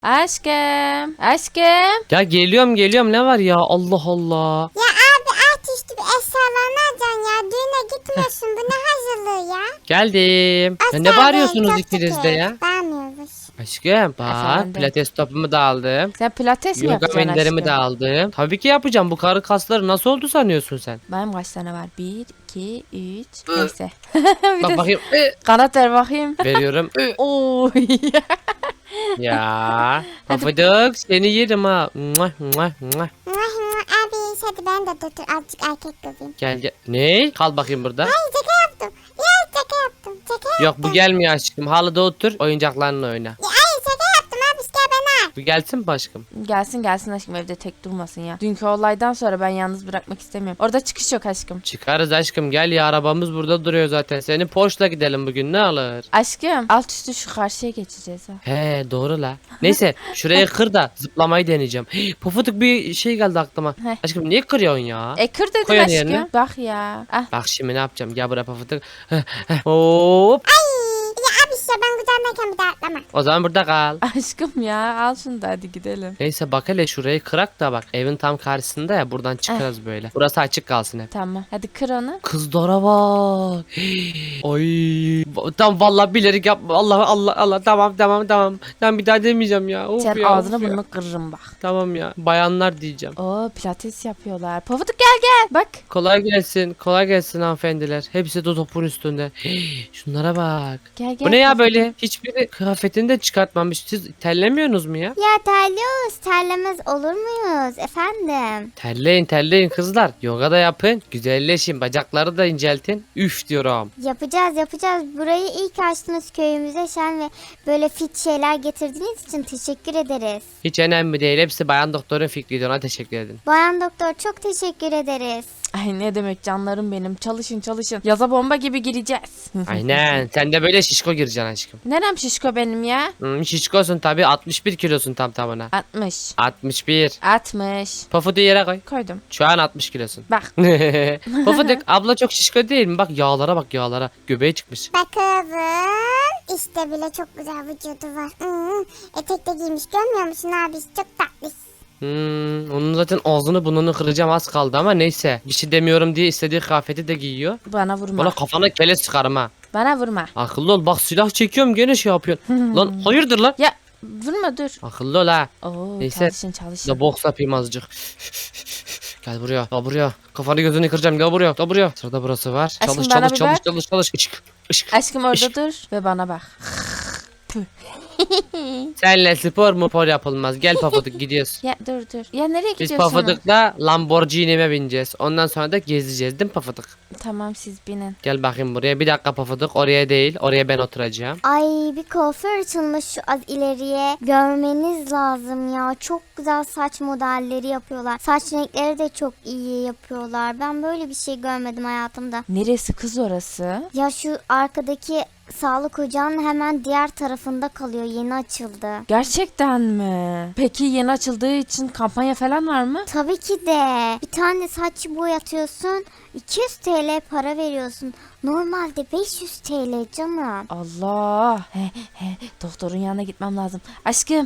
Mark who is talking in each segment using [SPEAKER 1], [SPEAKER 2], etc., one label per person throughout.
[SPEAKER 1] Aşkım. Aşkım.
[SPEAKER 2] Ya geliyorum ne var ya, Allah Allah.
[SPEAKER 3] Ya abi alt üstü bir eşyalarını alacaksın ya. Düğüne gitmiyorsun. Bu ne hazırlığı ya?
[SPEAKER 2] Geldim. Ya ne
[SPEAKER 3] Osman
[SPEAKER 2] bağırıyorsunuz
[SPEAKER 3] Bey, çok
[SPEAKER 2] ikiniz de
[SPEAKER 3] şükür.
[SPEAKER 2] ya?
[SPEAKER 3] Bağırmıyoruz.
[SPEAKER 2] Aşkım bak,
[SPEAKER 1] Efendim?
[SPEAKER 2] pilates topumu da aldım.
[SPEAKER 1] Sen pilates mi
[SPEAKER 2] Yoga
[SPEAKER 1] yapacaksın
[SPEAKER 2] menderimi de
[SPEAKER 1] aşkım?
[SPEAKER 2] aldım. Tabii ki yapacağım. Bu karı kasları nasıl oldu sanıyorsun sen?
[SPEAKER 1] Benim kaç tane var? 1, 2, 3. Neyse. Bir
[SPEAKER 2] Bak
[SPEAKER 1] de
[SPEAKER 2] bakayım.
[SPEAKER 1] kanat ver bakayım.
[SPEAKER 2] Veriyorum.
[SPEAKER 1] Oo.
[SPEAKER 2] Ya. Pafuduk seni yerim ha. Muah, muah, muah.
[SPEAKER 3] Abi hadi ben de dur azıcık erkek göreyim.
[SPEAKER 2] Gel. Ne? Kal bakayım burada.
[SPEAKER 3] Ay şaka yaptım. Ya şaka yaptım. Şaka yaptım.
[SPEAKER 2] Yok, bu gelmiyor aşkım. Halıda otur, oyuncaklarınla oyna.
[SPEAKER 3] Ya, ay şaka yaptım abi işte ben al.
[SPEAKER 2] Bu gelsin mi aşkım?
[SPEAKER 1] Gelsin aşkım, evde tek durmasın ya. Dünkü olaydan sonra ben yalnız bırakmak istemiyorum. Orada çıkış yok aşkım.
[SPEAKER 2] Çıkarız aşkım, gel ya, arabamız burada duruyor zaten. Senin Porsche'la gidelim bugün, ne alır?
[SPEAKER 1] Aşkım alt üstü şu karşıya geçeceğiz ha.
[SPEAKER 2] He doğru la. Neyse şurayı kır da zıplamayı deneyeceğim. Pofuduk bir şey geldi aklıma.
[SPEAKER 1] Heh.
[SPEAKER 2] Aşkım niye kırıyorsun ya?
[SPEAKER 1] Kır dedim
[SPEAKER 2] Koy onu
[SPEAKER 1] aşkım.
[SPEAKER 2] yerine.
[SPEAKER 1] Bak ya. Ah.
[SPEAKER 2] Bak şimdi ne yapacağım? Gel buraya Pofuduk. Hop.
[SPEAKER 3] Ya abi işte ben güzelmeyken bir daha atlama.
[SPEAKER 2] O zaman burada kal.
[SPEAKER 1] Aşkım ya al şunu da hadi gidelim.
[SPEAKER 2] Neyse bak hele şurayı kırak da bak. Evin tam karşısında ya, buradan çıkarız böyle. Burası açık kalsın hep.
[SPEAKER 1] Tamam hadi kır onu.
[SPEAKER 2] Kızlara bak. Ay. Tam vallahi bilerek yapma. Allah. Tamam. Ben bir daha demeyeceğim ya. Of
[SPEAKER 1] Sen
[SPEAKER 2] ya,
[SPEAKER 1] ağzını
[SPEAKER 2] of ya.
[SPEAKER 1] burnunu kırırım bak.
[SPEAKER 2] Tamam ya. Bayanlar diyeceğim.
[SPEAKER 1] Oo pilates yapıyorlar. Pofuduk gel. Bak.
[SPEAKER 2] Kolay gelsin. Kolay gelsin hanımefendiler. Hepsi de topun üstünde. Şunlara bak.
[SPEAKER 1] Gel.
[SPEAKER 2] Bu ne ya böyle? Hiçbiri kıyafetini de çıkartmamış. Siz terlemiyorsunuz mu ya?
[SPEAKER 3] Ya terliyoruz. Terlemez olur muyuz efendim?
[SPEAKER 2] Terleyin kızlar. Yoga da yapın. Güzelleşin. Bacakları da inceltin. Üf diyorum.
[SPEAKER 3] Yapacağız. Burayı ilk açtınız köyümüze şen ve böyle fit şeyler getirdiğiniz için teşekkür ederiz.
[SPEAKER 2] Hiç önemli değil. Hepsi bayan doktorun fikriydi. Ona teşekkür edin.
[SPEAKER 3] Bayan doktor çok teşekkür ederiz.
[SPEAKER 1] Ay ne demek canlarım benim. Çalışın. Yaza bomba gibi gireceğiz.
[SPEAKER 2] Aynen. Sen de böyle şişko gireceksin aşkım.
[SPEAKER 1] Nerem şişko benim ya?
[SPEAKER 2] Şişkosun tabii. 61 kilosun tam tamına.
[SPEAKER 1] 60.
[SPEAKER 2] 61.
[SPEAKER 1] 60.
[SPEAKER 2] Pafudu yere koy.
[SPEAKER 1] Koydum.
[SPEAKER 2] Şu an 60 kilosun.
[SPEAKER 1] Bak.
[SPEAKER 2] Pofuduk abla çok şişko değil mi? Bak yağlara bak yağlara. Göbeği çıkmış.
[SPEAKER 3] Bakalım. İşte bile çok güzel vücudu var. Etek de giymiş görmüyor musun abi? Çok tatlı.
[SPEAKER 2] Onun zaten ağzını burnunu kıracağım, az kaldı ama neyse. Bir şey demiyorum diye istediği kıyafeti de giyiyor.
[SPEAKER 1] Bana vurma.
[SPEAKER 2] Valla kafana keles çıkarım ha.
[SPEAKER 1] Bana vurma.
[SPEAKER 2] Akıllı ol, bak silah çekiyorum gene şey yapıyorsun. Lan hayırdır lan?
[SPEAKER 1] Ya vurma dur.
[SPEAKER 2] Akıllı ol ha.
[SPEAKER 1] Oo
[SPEAKER 2] Neyse.
[SPEAKER 1] çalışın.
[SPEAKER 2] Da boks yapayım azıcık. Gel buraya. Kafanı gözünü kıracağım, gel buraya. Sırada burası var.
[SPEAKER 1] Aşkım, bana bir bak.
[SPEAKER 2] Çalış. Işık.
[SPEAKER 1] Aşkım orada
[SPEAKER 2] Işık.
[SPEAKER 1] dur ve bana bak.
[SPEAKER 2] Senle spor mu por yapılmaz. Gel Pafuduk gidiyoruz.
[SPEAKER 1] Ya dur. Ya nereye
[SPEAKER 2] Biz
[SPEAKER 1] gidiyorsun?
[SPEAKER 2] Pafuduk'la Lamborghini'me bineceğiz. Ondan sonra da gezeceğiz değil mi Pafuduk?
[SPEAKER 1] Tamam siz binin.
[SPEAKER 2] Gel bakayım buraya. Bir dakika Pafuduk. Oraya değil. Oraya ben oturacağım.
[SPEAKER 3] Ay bir kuaför açılmış şu az ileriye. Görmeniz lazım ya. Çok güzel saç modelleri yapıyorlar. Saç renkleri de çok iyi yapıyorlar. Ben böyle bir şey görmedim hayatımda.
[SPEAKER 1] Neresi kız orası?
[SPEAKER 3] Ya şu arkadaki sağlık ocağının hemen diğer tarafında kalıyor. Yeni açıldı.
[SPEAKER 1] Gerçekten mi? Peki yeni açıldığı için kampanya falan var mı?
[SPEAKER 3] Tabii ki de. Bir tane saç boyatıyorsun. 200 TL para veriyorsun. Normalde 500 TL canım.
[SPEAKER 1] Allah. Doktorun yanına gitmem lazım. Aşkım.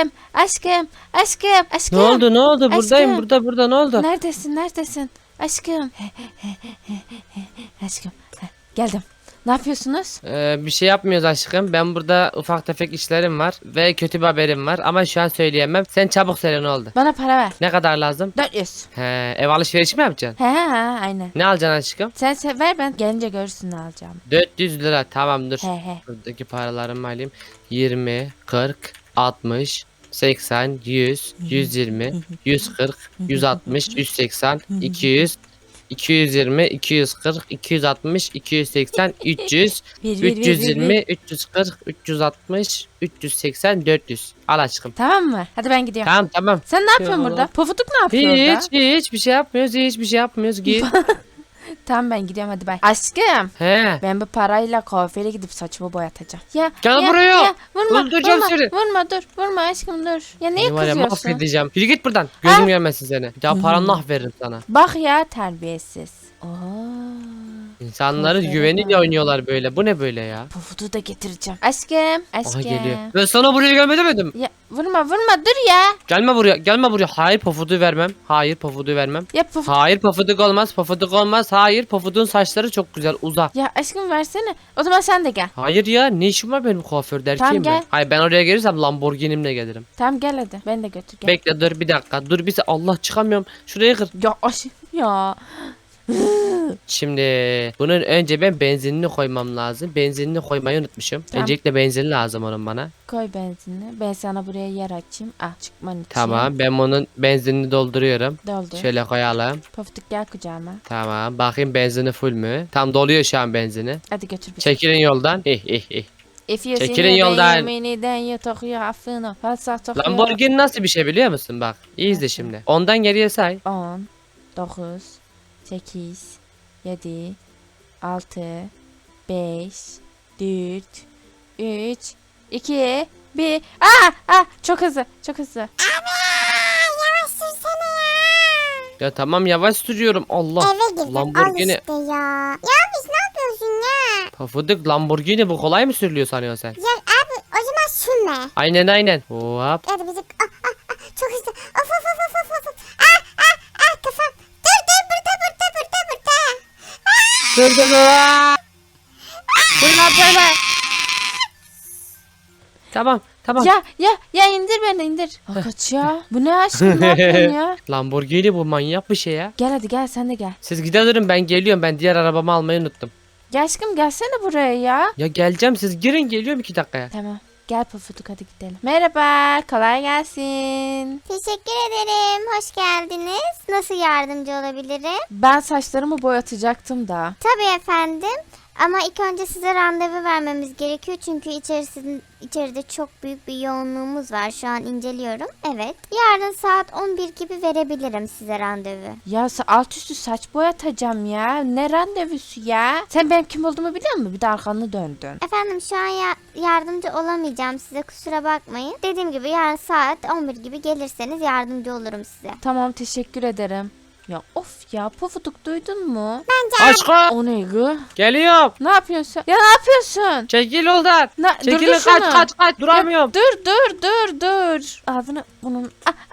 [SPEAKER 2] Ne oldu? Buradayım.
[SPEAKER 1] Aşkım.
[SPEAKER 2] Burada ne oldu?
[SPEAKER 1] Neredesin? Aşkım. Aşkım. Geldim. Ne yapıyorsunuz?
[SPEAKER 2] Bir şey yapmıyoruz aşkım. Ben burada ufak tefek işlerim var. Ve kötü bir haberim var. Ama şu an söyleyemem. Sen çabuk söyle ne oldu?
[SPEAKER 1] Bana para ver.
[SPEAKER 2] Ne kadar lazım?
[SPEAKER 1] 400.
[SPEAKER 2] Ev alışverişi mi yapacaksın?
[SPEAKER 1] Aynen.
[SPEAKER 2] Ne alacaksın aşkım?
[SPEAKER 1] Sen ver, ben gelince görürsün ne alacağım.
[SPEAKER 2] 400 lira. Tamam dur.
[SPEAKER 1] He.
[SPEAKER 2] Buradaki paralarımı alayım. 20, 40, 60, 80, 100, 120, 140, 160, 180, 200, 220, 240, 260, 280, 300,
[SPEAKER 1] Bir.
[SPEAKER 2] 320, 340, 360, 380, 400. Al aşkım.
[SPEAKER 1] Tamam mı? Hadi ben gidiyorum.
[SPEAKER 2] Tamam.
[SPEAKER 1] Sen ne yapıyorsun
[SPEAKER 2] Ya.
[SPEAKER 1] burada? Pofuduk ne yapıyor orada?
[SPEAKER 2] Hiçbir şey yapmıyoruz. Git.
[SPEAKER 1] Tamam ben gidiyorum hadi bay. Aşkım.
[SPEAKER 2] He.
[SPEAKER 1] Ben bu parayla kuaföre gidip saçımı boyatacağım.
[SPEAKER 2] Gel buraya.
[SPEAKER 1] Vurma.
[SPEAKER 2] Öldüreceğim seni.
[SPEAKER 1] Vurma aşkım dur. Ya niye
[SPEAKER 2] Seni var ya
[SPEAKER 1] kızıyorsun?
[SPEAKER 2] mahvedeceğim. Yürü git buradan. Gözüm görmesin seni. Bir daha paranı nah veririm sana.
[SPEAKER 1] Bak ya terbiyesiz. Oo.
[SPEAKER 2] İnsanların
[SPEAKER 1] Aferin
[SPEAKER 2] güveniyle
[SPEAKER 1] ha.
[SPEAKER 2] oynuyorlar böyle. Bu ne böyle ya?
[SPEAKER 1] Pufudu da getireceğim. Aşkım.
[SPEAKER 2] Aha
[SPEAKER 1] Aşkım.
[SPEAKER 2] geliyor. Ben sana buraya gelme demedim.
[SPEAKER 1] Ya vurma dur ya.
[SPEAKER 2] Gelme buraya, gelme buraya. Hayır Pofuduk'u vermem. Hayır Pofuduk'u vermem.
[SPEAKER 1] Ya pufuduk.
[SPEAKER 2] Hayır Pofuduk olmaz. Pofuduk olmaz. Hayır Pofuduk'un saçları çok güzel. Uza.
[SPEAKER 1] Ya aşkım versene. O zaman sen de gel.
[SPEAKER 2] Hayır ya, ne işim var benim kuaförde, erkeğim
[SPEAKER 1] Tamam,
[SPEAKER 2] ben.
[SPEAKER 1] gel.
[SPEAKER 2] Hayır, ben oraya gelirsem Lamborghini'mle gelirim.
[SPEAKER 1] Tamam gel hadi. Beni de götür gel.
[SPEAKER 2] Bekle, dur bir dakika. Dur bir Allah, çıkamıyorum. Şuraya kır.
[SPEAKER 1] Ya aşkım ya.
[SPEAKER 2] Şimdi bunun önce ben benzinini koymam lazım. Benzinini koymayı unutmuşum.
[SPEAKER 1] Tamam.
[SPEAKER 2] Öncelikle benzin lazım onun bana.
[SPEAKER 1] Koy benzinini. Ben sana buraya yer açayım. Ah çıkman için.
[SPEAKER 2] Tamam, ben bunun benzinini dolduruyorum.
[SPEAKER 1] Doldu.
[SPEAKER 2] Şöyle koyalım.
[SPEAKER 1] Pofuduk gel kucağıma.
[SPEAKER 2] Tamam, bakayım benzini full mü? Tam doluyor şu an benzini.
[SPEAKER 1] Hadi götür bizi.
[SPEAKER 2] Çekilin yoldan. Çekilin yoldan. Lamborghini nasıl bir şey biliyor musun? Bak, iyi izle şimdi. Ondan geriye say.
[SPEAKER 1] 10, 9, 8, 7, 6, 5, 4, 3, 2, 1. Çok hızlı, çok hızlı.
[SPEAKER 3] Yavaş sürsene ya.
[SPEAKER 2] Ya tamam, yavaş sürüyorum. Allah.
[SPEAKER 3] Eve girdim
[SPEAKER 2] Lamborghini.
[SPEAKER 3] al işte ya. Ya biz ne yapıyorsun ya?
[SPEAKER 2] Pofuduk, Lamborghini bu kolay mı sürülüyor sanıyorsun sen?
[SPEAKER 3] Ya abi o zaman sürme.
[SPEAKER 2] Aynen. Hop.
[SPEAKER 3] Hadi bizi çok hızlı. Of of of of of. Kafam. Dur burada.
[SPEAKER 2] Dur. Böyle. Tamam.
[SPEAKER 1] Ya indir beni indir. Kaç ya. Bu ne aşkım ne yapıyorsun ya?
[SPEAKER 2] Lamborghini bu, manyak bir şey ya.
[SPEAKER 1] Gel hadi gel sen de gel.
[SPEAKER 2] Siz gidelim, ben geliyorum. Ben diğer arabamı almayı unuttum.
[SPEAKER 1] Gel aşkım gelsene buraya ya.
[SPEAKER 2] Ya geleceğim, siz girin, geliyorum 2 dakikaya.
[SPEAKER 1] Tamam. Gel Pofuduk hadi gidelim. Merhaba, kolay gelsin.
[SPEAKER 3] Teşekkür ederim. Hoş geldiniz. Nasıl yardımcı olabilirim?
[SPEAKER 1] Ben saçlarımı boyatacaktım da.
[SPEAKER 3] Tabii efendim. Ama ilk önce size randevu vermemiz gerekiyor çünkü içeride çok büyük bir yoğunluğumuz var. Şu an inceliyorum. Evet. Yarın saat 11 gibi verebilirim size randevu.
[SPEAKER 1] Ya alt üstü saç boyatacağım ya. Ne randevusu ya? Sen benim kim olduğumu biliyor musun? Bir de arkanı döndün.
[SPEAKER 3] Efendim şu an yardımcı olamayacağım size, kusura bakmayın. Dediğim gibi yarın saat 11 gibi gelirseniz yardımcı olurum size.
[SPEAKER 1] Tamam teşekkür ederim. Ya of ya Pofuduk duydun mu?
[SPEAKER 2] Aşkım,
[SPEAKER 1] O ne gı?
[SPEAKER 2] geliyorum.
[SPEAKER 1] Ne yapıyorsun? Ya ne yapıyorsun?
[SPEAKER 2] Çekil yoldan. Çekilin,
[SPEAKER 1] durdur şunu.
[SPEAKER 2] kaç. Duramıyorum.
[SPEAKER 1] Dur. Ağzını bunun.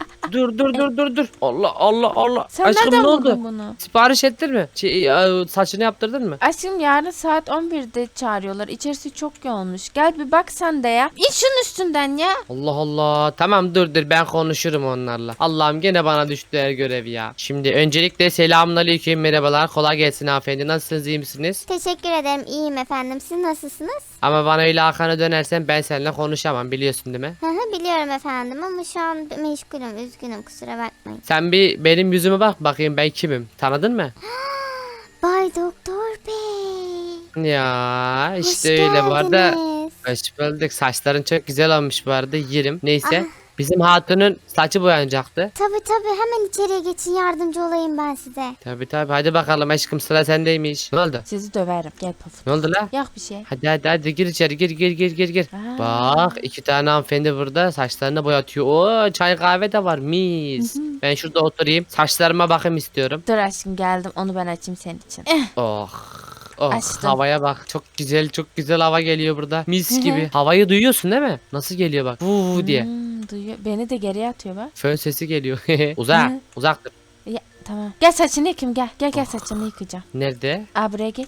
[SPEAKER 2] Dur. Allah.
[SPEAKER 1] Sen
[SPEAKER 2] Aşkım
[SPEAKER 1] nereden
[SPEAKER 2] ne oldu?
[SPEAKER 1] buldun bunu?
[SPEAKER 2] Sipariş ettin mi? Saçını yaptırdın mı?
[SPEAKER 1] Aşkım yarın saat 11'de çağırıyorlar. İçerisi çok yoğunmuş. Gel bir bak sen de ya. İn şunun üstünden ya.
[SPEAKER 2] Allah. Tamam dur ben konuşurum onlarla. Allah'ım gene bana düştü her görev ya. Şimdi öncelikle selamünaleyküm, merhabalar. Kolay gelsin hanımefendi. Nasılsınız, iyi misiniz?
[SPEAKER 3] Teşekkür ederim, iyiyim efendim. Siz nasılsınız?
[SPEAKER 2] Ama bana öyle arkanı dönersen ben seninle konuşamam, biliyorsun değil mi?
[SPEAKER 3] Biliyorum efendim ama şu an meşgulüm, üzgünüm, kusura bakmayın.
[SPEAKER 2] Sen bir benim yüzüme bak bakayım, ben kimim? Tanıdın mı?
[SPEAKER 3] Bay Doktor Bey.
[SPEAKER 2] Ya işte
[SPEAKER 3] Hoş
[SPEAKER 2] öyle bu arada.
[SPEAKER 3] geldiniz.
[SPEAKER 2] Hoş bulduk. Saçların çok güzel olmuş bu arada. Yerim. Neyse. Bizim hatunun saçı boyanacaktı.
[SPEAKER 3] Tabii hemen içeriye geçin, yardımcı olayım ben size.
[SPEAKER 2] Tabii hadi bakalım aşkım, sıra sendeymiş. Ne oldu?
[SPEAKER 1] Sizi döverim. Gel Pofuduk.
[SPEAKER 2] Ne oldu la?
[SPEAKER 1] Yok bir şey.
[SPEAKER 2] Hadi gir içeri, gir.
[SPEAKER 1] Aa.
[SPEAKER 2] Bak 2 tane hanımefendi burada saçlarını boyatıyor. Oo, çay kahve de var, mis. Ben şurada oturayım, saçlarıma bakayım istiyorum.
[SPEAKER 1] Dur aşkım geldim. Onu ben açayım senin için.
[SPEAKER 2] Oh
[SPEAKER 1] Açtım.
[SPEAKER 2] havaya bak, çok güzel hava geliyor burada, mis gibi. Havayı duyuyorsun değil mi? Nasıl geliyor bak, diye.
[SPEAKER 1] Duyuyor. Beni de geriye atıyor bak.
[SPEAKER 2] Fön sesi geliyor.
[SPEAKER 1] Hı.
[SPEAKER 2] Uzaktır.
[SPEAKER 1] Ya, tamam. Gel saçını yıkayım gel. Gel saçını yıkayacağım.
[SPEAKER 2] Nerede?
[SPEAKER 1] Buraya geç.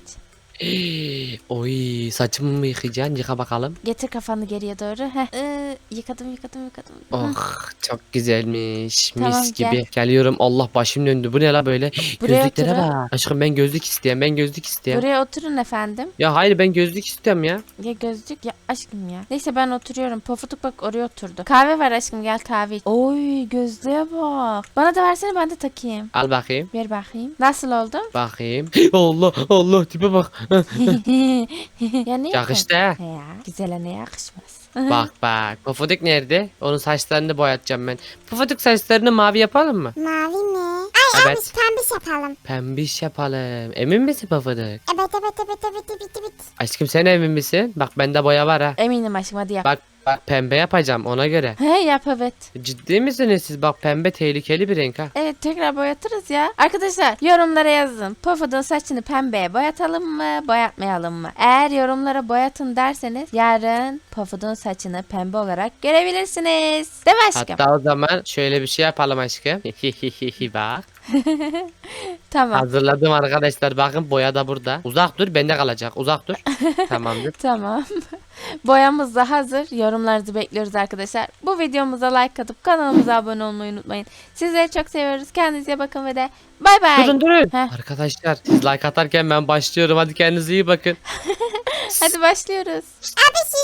[SPEAKER 2] Oy, saçımı mı yıkayacaksın? Yıka bakalım.
[SPEAKER 1] Getir kafanı geriye doğru. Yıkadım.
[SPEAKER 2] Oh, çok güzelmiş.
[SPEAKER 1] Tamam,
[SPEAKER 2] Mis gibi.
[SPEAKER 1] gel.
[SPEAKER 2] Geliyorum. Allah, başım döndü. Bu ne la böyle?
[SPEAKER 1] Buraya
[SPEAKER 2] Gözlüklere
[SPEAKER 1] oturun.
[SPEAKER 2] bak. Aşkım ben gözlük isteyen.
[SPEAKER 1] Buraya oturun efendim.
[SPEAKER 2] Ya hayır, ben gözlük istiyorum ya.
[SPEAKER 1] Ya gözlük ya aşkım ya. Neyse ben oturuyorum. Pofuduk bak oraya oturdu. Kahve var aşkım gel kahve iç. Oy gözlüğe bak. Bana da versene ben de takayım.
[SPEAKER 2] Al bakayım.
[SPEAKER 1] Ver bakayım. Nasıl oldu?
[SPEAKER 2] Bakayım. Allah tipe bak.
[SPEAKER 1] Ya ne
[SPEAKER 2] Yakıştı ha.
[SPEAKER 1] Ya güzele ne yakışmaz.
[SPEAKER 2] Bak. Pufuduk nerede? Onun saçlarını boyatacağım ben. Pufuduk, saçlarını mavi yapalım mı?
[SPEAKER 3] Mavi mi? Ay
[SPEAKER 2] Evet.
[SPEAKER 3] abi pembiş yapalım.
[SPEAKER 2] Pembiş yapalım. Emin misin Pofuduk?
[SPEAKER 3] Evet.
[SPEAKER 2] Aşkım sen emin misin? Bak bende boya var ha.
[SPEAKER 1] Eminim aşkım, hadi yap.
[SPEAKER 2] Bak pembe yapacağım ona göre.
[SPEAKER 1] He yap, evet.
[SPEAKER 2] Ciddi misiniz siz? Bak pembe tehlikeli bir renk ha.
[SPEAKER 1] Evet, tekrar boyatırız ya. Arkadaşlar yorumlara yazın. Pofuduk'un saçını pembeye boyatalım mı, boyatmayalım mı? Eğer yorumlara boyatın derseniz yarın Pofuduk'un saçını pembe olarak görebilirsiniz. Değil mi aşkım?
[SPEAKER 2] Hatta o zaman şöyle bir şey yapalım aşkım. Bak.
[SPEAKER 1] Tamam.
[SPEAKER 2] Hazırladım arkadaşlar. Bakın boya da burada. Uzak dur bende kalacak. Uzak dur. Tamamdır.
[SPEAKER 1] Tamam. Boyamız da hazır. Yorumlarınızı bekliyoruz arkadaşlar. Bu videomuza like atıp kanalımıza abone olmayı unutmayın. Sizleri çok seviyoruz. Kendinize bakın ve de bay bay.
[SPEAKER 2] Durun.
[SPEAKER 1] Heh.
[SPEAKER 2] Arkadaşlar siz like atarken ben başlıyorum. Hadi kendinize iyi bakın.
[SPEAKER 1] Hadi başlıyoruz.
[SPEAKER 3] Abi